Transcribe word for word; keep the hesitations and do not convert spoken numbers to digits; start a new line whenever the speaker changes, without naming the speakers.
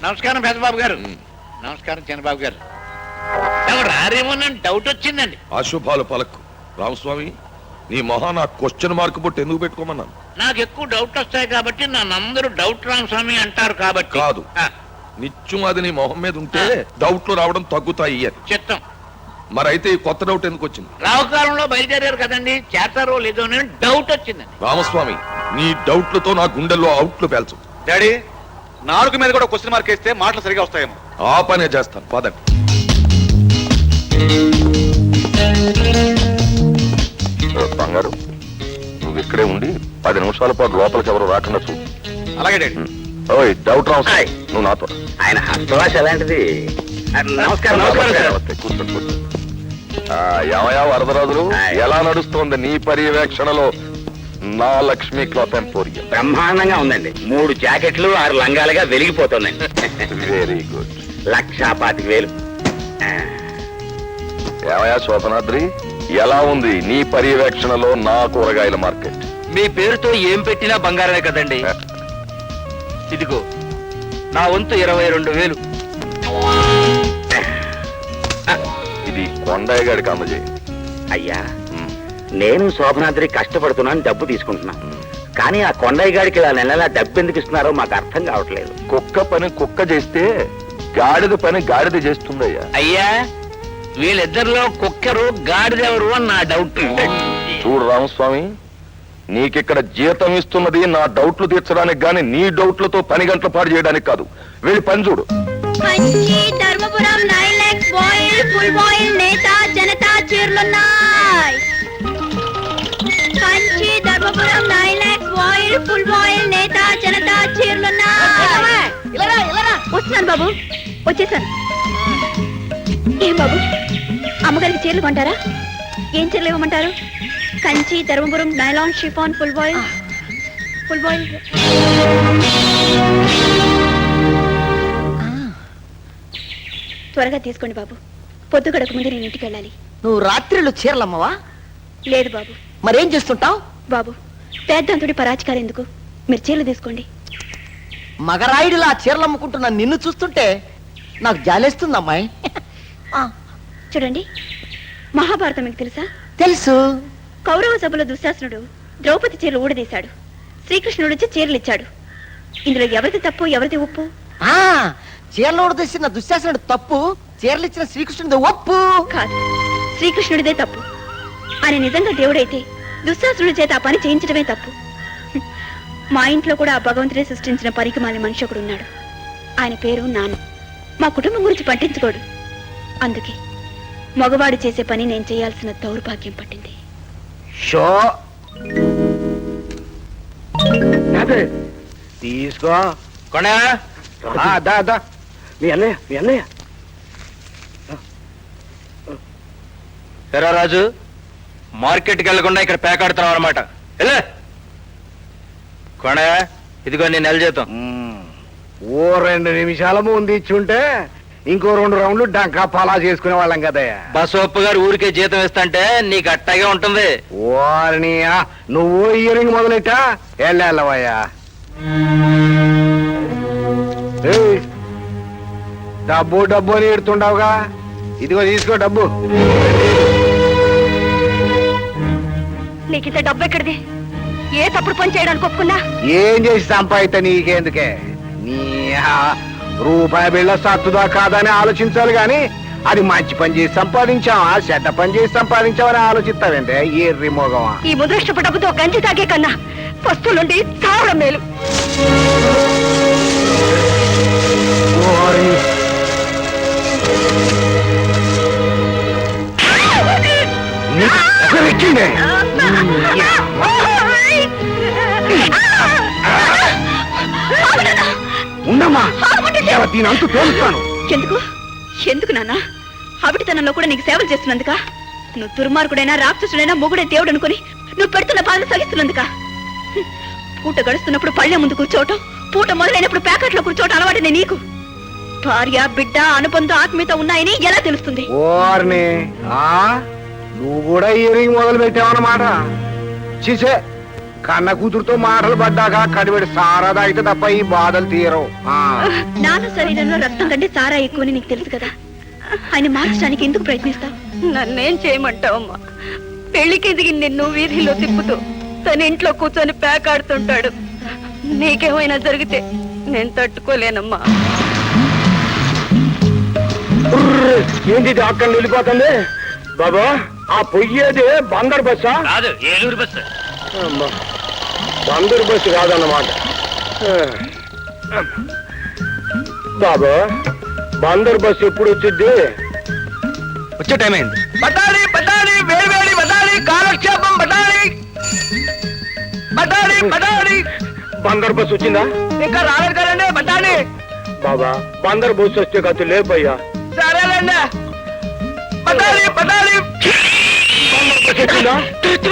నమస్కారం పెద్దబాబు గారు. నమస్కారం చిన్నబాబు గారు. రారేమోనని డౌట్ వచ్చిందండి.
అశుభాలు పలకు రామస్వామి, నీ మొహా నా క్వశ్చన్ మార్క్ బట్టి ఎందుకు పెట్టుకోమన్నాను?
నాకు ఎక్కువ డౌట్ వస్తాయి కాబట్టి నన్నందరూ డౌట్ రామస్వామి అంటారు కాబట్టి.
కాదు, నిత్యం అది నీ మొహం మీద ఉంటే డౌట్లు రావడం తగ్గుతాయి అని
చిత్తం.
మరైతే ఈ కొత్త డౌట్ ఎందుకు వచ్చింది?
రావుకాలంలో బయలుదేరారు కదండి, చేస్తారో లేదో అని డౌట్ వచ్చిందండి.
రామస్వామి, నీ డౌట్లతో నా గుండెల్లో అవుట్లు పేల్చు.
డాడీ, నాలుగు మీద కూడా క్వశ్చన్ మార్క్ వేస్తే మాటలు సరిగా వస్తాయేమో.
ఆ పనే చేస్తాను, పదండి. బంగారు, నువ్వు ఇక్కడే ఉండి పది నిమిషాల పాటు లోపలికి ఎవరు రాకుండా చూడు.
అలాగే డాడీ.
ఓయ్ డౌట్ రామస్వామి, నువ్వు నాతో.
ఆయన హస్తవాస ఎలాంటిది? నమస్కారం.
కూర్చోండి కూర్చోండి. యావయా వరదరాజులు, ఎలా నడుస్తోంది నీ పర్యవేక్షణలో నా లక్ష్మీ క్లాత్ ఎంపోరియం?
బ్రహ్మాండంగా ఉందండి. మూడు జాకెట్లు ఆరు లంగాలుగా వెలిగిపోతున్నాయి.
Very good.
లక్షా పాతిక వేలు.
యావయా శోభనాద్రి, ఎలా ఉంది నీ పర్యవేక్షణలో నా కూరగాయల మార్కెట్?
మీ పేరుతో ఏం పెట్టినా బంగారమే కదండి. ఇదిగో నా వంతు ఇరవై రెండు వేలు.
ఇది కొండయ్య గారికి అందజేయి.
అయ్యా, నేను శోభనాద్రి కష్టపడుతున్నాను, డబ్బు తీసుకుంటున్నాను. కానీ ఆ కొండయ్య గారికి ఇలా నెలలా డబ్బు ఎందుకు ఇస్తున్నారో మాకు అర్థం కావట్లేదు.
కుక్క పని కుక్క చేస్తే గాడిద పని గాడిద చేస్తుందయ్యా.
అయ్యా, వీళ్ళిద్దరిలో కుక్కరు గాడిదెవరు అని నా డౌట్.
చూడు రామస్వామి, నీకిక్కడ జీతం ఇస్తున్నది నా డౌట్లు తీర్చడానికి గాని నీ డౌట్లతో పని గంటల పాటు చేయడానికి కాదు. వెళ్ళి పని చూడు.
Kanchi Dharmapuram nine lakhs voile full voile నేతా జనతా చీరలున్నాయి. Kanchi Dharmapuram nine lakhs voile full voile నేతా జనతా చీరలున్నాయి. వస్తున్నాను బాబు, వచ్చేసాను. ఏం బాబు, అమ్మగారికి చీరలు కొంటారా? ఏం చీరలు ఇవ్వమంటారు? Kanchi Dharmapuram nylon chiffon full voile full voile త్వరగా తీసుకోండి బాబు, పొద్దు గడక ముందు నేను ఇంటికి వెళ్ళాలి.
నువ్వు రాత్రిళ్ళు చీరలమ్మవా?
లేదు బాబు.
మరేం చేస్తుంటావు?
బాబు, పేద్దంతుడి పరాచికారు ఎందుకు, మీరు చీరలు తీసుకోండి.
మగరాయుడిలా చీరలు అమ్ముకుంటున్న నిన్ను చూస్తుంటే నాకు జాలేస్తుంది అమ్మాయి.
చూడండి, మహాభారతం మీకు తెలుసా?
తెలుసు.
కౌరవ సభలో దుశ్శాసనుడు ద్రౌపది చీరలు ఊడదీశాడు. శ్రీకృష్ణుడు వచ్చి చీరలు ఇచ్చాడు. ఇందులో ఎవరిది తప్పు ఎవరిది ఒప్పు?
ఆ చీరలు తెసిన దుశ్శాసనుడు తప్పు, చీరలు ఇచ్చిన శ్రీకృష్ణుడి ఒప్పు.
కాదు, శ్రీకృష్ణుడిదే తప్పు. ఆయన నిజంగా దేవుడైతే దుశ్శాసనుడి చేత ఆ పని చేయించడమే తప్పు. మా ఇంట్లో కూడా ఆ భగవంతుడే సృష్టించిన పరికమాలి మనిషి ఒకడు ఉన్నాడు. ఆయన పేరు నాన్న. మా కుటుంబం గురించి పట్టించుకోడు. అందుకే మగవాడు చేసే పని నేను చేయాల్సిన దౌర్భాగ్యం పట్టింది.
షో తీసుకో
కొండ
మీ అన్నయ్య మీ అన్నయ్య
ఎరా రాజు, మార్కెట్కి వెళ్లకుండా ఇక్కడ పేకాడుతున్నావు అనమాట. వెళ్ళే కొండ, ఇదిగో నీ నెల జీతం.
ఓ రెండు నిమిషాల ముందు ఇచ్చుంటే ఇంకో రెండు రౌండ్లు డంకా పలా చేసుకునే వాళ్ళం కదయ్యా.
బసోప్ప గారు ఊరికే జీతం ఇస్తంటే నీకు అట్టాగే ఉంటుంది.
ఓర్నియా, నువ్వు ఇయరింగ్ మొదలెట్టా వెళ్ళవయ్యా. డబ్బు డబ్బు అని ఎడుతుండవుగా, ఇదిగో తీసుకో డబ్బు.
నీకు ఇంత డబ్బు ఎక్కడిది? ఏ తప్పుడు పని చేయడానికి ఒప్పుకున్నా?
ఏం చేసి సంపాదిత నీకెందుకే? నీ రూపాయి బిళ్ళ సత్తుదా కాదని ఆలోచించాలి గాని అది మంచి పని చేసి సంపాదించావా చెడ్డ పని చేసి సంపాదించావని ఆలోచిస్తావేంటే ఎర్రి మోగమా?
ఈ ముదృష్టపు డబ్బుతో గంజి తాగే కన్నా వస్తువులుండి చావడం మేలు.
ఉండమ్మా, దీనంతు తోలుస్తాను.
ఎందుకు ఎందుకు నాన్న? అవిటితనంలో కూడా నీకు సేవలు చేస్తున్నందుక? నువ్వు దుర్మార్గుడైనా రాక్షసుడైనా మొగుడే దేవుడు అనుకుని నువ్వు పెడుతున్న బాధ సహిస్తున్నందుక? పూట గడుస్తున్నప్పుడు పళ్ళె ముందు కూర్చోవటం, పూట మొదలైనప్పుడు ప్యాకెట్లో కూర్చోవటం అలవాటునే నీకు. భార్య బిడ్డ అనుబంధ ఆత్మీయత ఉన్నాయని ఎలా తెలుస్తుంది?
ఓర్ని, నువ్వు కూడా ఇయరింగ్ మొదలు పెట్టావన్నమాట. చూసే కన్న కూతురుతో మాటలు పడ్డాక కడివెడి సారాదా అయితే తప్ప ఈ బాధలు తీరవు ఆ.
నాన్న శరీరంలో రక్తం కంటే సారా ఎక్కువని నీకు తెలుసు కదా ఆయన మార్చడానికి ఎందుకు ప్రయత్నిస్తావు?
నన్నేం చేయమంటావమ్మా? పెళ్లికి ఎదిగి నిన్ను వీధిలో తిప్పుతూ తన ఇంట్లో కూర్చొని పేకాడుతుంటాడు. నీకేమైనా జరిగితే నేను తట్టుకోలేనమ్మా.
ఏంటి అక్కడ వెళ్ళిపోతుంది బాబా? ఆ పొయ్యేది బందర్ బస్సా?
కాదు, ఏలూరు బస్సు.
అమ్మా, బందర్ బస్సు కాదన్నమాట. బాబా, బందర్ బస్సు ఎప్పుడు వచ్చింది?
వచ్చే టైం అయింది.
బటాలి బటాలి వేడి వేడి బటాలి కాలక్షేపం బటాలి బటాలి బటాలి
బందర్ బస్సు వచ్చిందా?
ఇంకా రాలేదు కదండి బటాలి.
బాబా, బందర్ బస్సు వస్తే కాదు లేపయ్యా.
సరేలేండి బటాలి బటాలి
బందర్ బస్సు వచ్చిందా?